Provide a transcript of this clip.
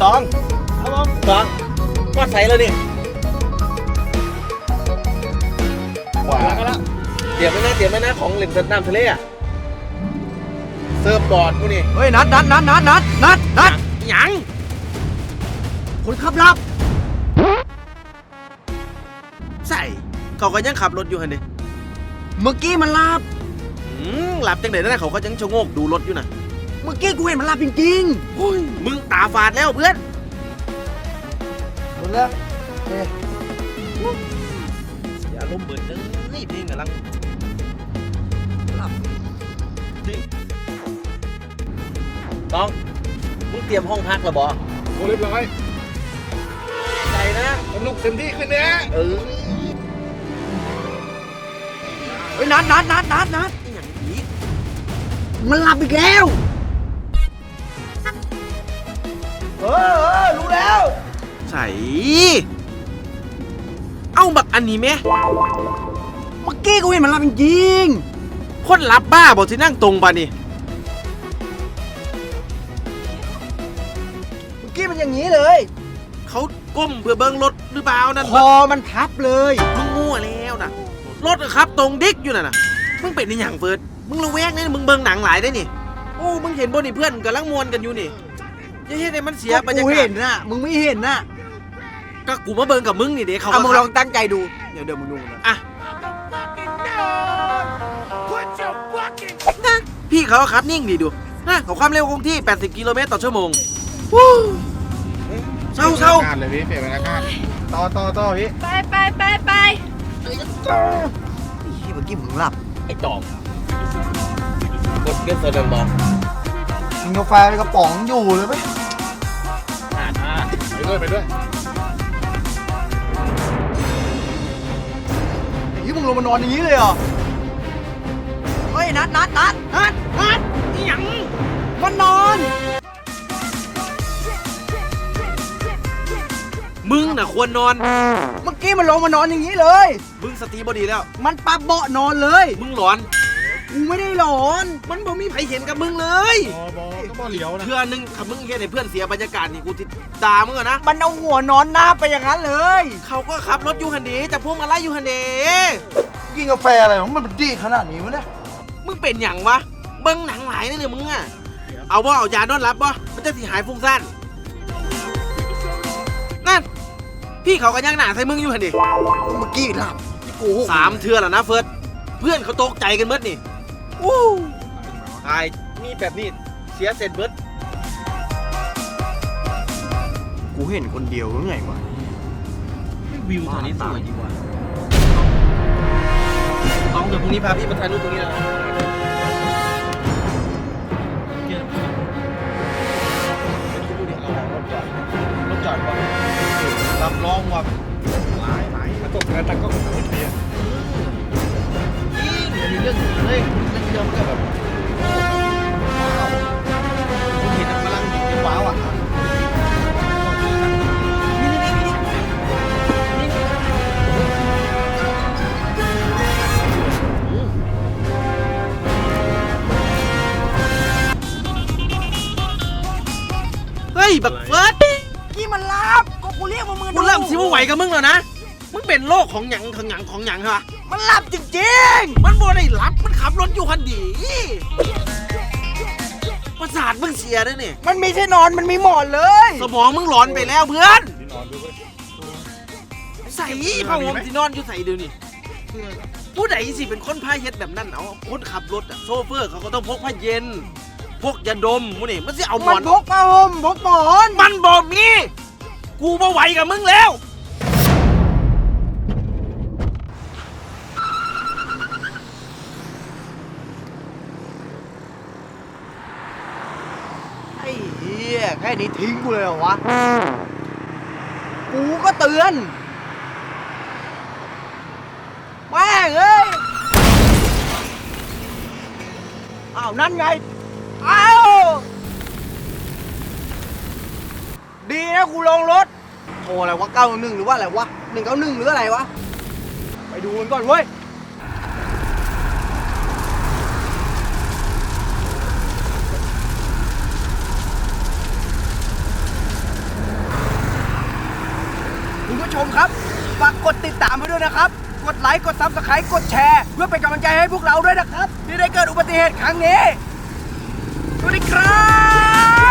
ตองครับผมตองว่าใส่แล้วนี่ว้าวแล้วเตรียมไว้นะของเล่นน้ำทะเลอะเซิร์ฟบอร์ดกูนี่เฮ้ยนัดหยังคนขับลับใส่เขาก็ยังขับรถอยู่ฮันดิเมื่อกี้มันลับหลับจังไหนนั่นเขาก็ยังชะโงกดูรถอยู่นะเมื่อกี้กูเห็นมันลับจริงๆโอ้ยมึงตาฝาดแล้วเพื่อนหมดแล้วอย่าล้มเบิดเลยเพลงกำลังหลับต้องมึงเตรียมห้องพักแล้วบอโอ้เรียบร้อยใจนะสนุกเต็มที่ขึ้นเนี่ยเฮ้ยนัดอย่างนี้มันหลับอีกแล้วรู้แล้วใส่เอ้าบักอันนี้ไหมเมื่อกี้กูเห็นมันหลับจริงคนรับบ้าบอกที่นั่งตรงป่ะนี่เมื่อกี้มันอย่างนี้เลยเขาก้มเพื่อเบิ้งรถหรือเปล่านั่นคอมันทับเลยมึงมั่วแล้วนะรถครับตรงดิ๊กอยู่น่ะมึงเป็นในอย่างเฟิร์สมึงระแวกนี่มึงเบิ้งหนังหลายได้นี่โอ้มึงเห็นบนนี่เพื่อนกำลังมวนกันอยู่นี่จะเห็นไอ้มันเสียบรรยากาศกูเห็นน่ะมึงไม่เห็นน่ะก็กูมาเบิ้งกับมึงนี่เด็กเขามึงลองตั้งใจดูเดี๋ยวมึงดูนะอ่ะนะพี่เขาขับนิ่งดีดูนะเขาความเร็วคงที่80 กิโลเมตรต่อชั่วโมงเศร้าเลยพี่เปลี่ยนบรรยากาศต่อพี่ไปเมื่อกี้มึงหลับไอ้ตอมกดเก็บเสด็จบอกกินกาแฟในกระป๋องอยู่เลยไหมไปด้วยนี่มึงลงมานอนอย่างนี้เลยเหรอเฮ้ยนัดหยังมันนอนมึงน่ะควรนอนเมื่อกี้มันลงมานอนอย่างนี้เลยมึงสติบดีแล้วมันปรับเบาะนอนเลยมึงหลอนกูไม่ได้หลอนมันบ่มีใครเห็นกับมึงเลยก็บ่เหลียวนะเพื่อนนึงถ้ามึงเห็นให้เพื่อนเสียบรรยากาศนี่กูติดด่ามึงอะนะมันเอาหัวนอนหน้าไปอย่างนั้นเลยเขาก็ขับรถอยู่ฮันเดแต่พวกมาไล่อยู่ฮันเดกินกาแฟอะไรของมันดีขนาดนี้วะเนี่ยมึงเป็นอย่างวะเบิ้งหนังหลายนี่เลยมึงอะเอายานอนหลับบ่มันจะสิหายฟุ้งซ่านนั่นพี่เขากันยังหนาใส่มึงอยู่ฮันเดเมื่อกี้หลับ 3 เทื่อแล้วนะเฟิร์สเพื่อนเขาตกใจกันเบิดนี่ตายมีแบบนี้เสียเสร็จเบิดกูเห็นคนเดียวหรือไงวะวิวแถวนี้สวยดีกว่าต้องเดี๋ยวพรุ่งนี้พาพี่มาถ่ายรูปตรงนี้นะรถจอดก่อนรับรองว่าหลายกระจกกระตักก็เป็นเบียร์อันนี้เรื่องจริงเลยเรื่องเดียวมันก็แบบคุณเห็นกำลังว้าวอ่ะเฮ้ยบักเฟิร์สกี้มันลับก็กูเรียกว่ามึงกูเริ่มสิว่าไหวกับมึงแล้วนะมึงเป็นโรคของหยังเหรอมันหลับจริงๆมันบ่ได้หลับมันขับรถอยู่คันดีประสาทมึงเสียด้วยนี่มันไม่ใช่นอนมันมีหมอนเลยสมองมึงหลอนไปแล้วเพื่อนใส่ผ้าห่มที่นอนอยู่ใส่เดี๋ยวนี้ผู้ใดสิเป็นคนพาเฮ็ดแบบนั้นเอาคนขับรถอะโซเฟอร์เขาก็ต้องพกผ้าเย็นพกยาดมมึงนี่มันสิเอาหมอนพกผ้าห่มพกหมอนมันบ่มีกูบ่ไหวกับมึงแล้วแค่นี้ทิ้งกูเลยเหรอวะกูก็เตือนแม่งเอ้ยอ้าวนั่นไงอ้าวดีนะกูลงรถโทรอะไรวะ911หรือว่าอะไรวะ191หรืออะไรวะไปดูกันก่อนเว้ยมมครับฝากกดติดตามให้ด้วยนะครับกดไลค์กดซับสไครต์กดแชร์เพื่อเป็นกำลังใจให้พวกเราด้วยนะครับที่ได้เกิดอุบัติเหตุครั้งนี้สวัสดีครับ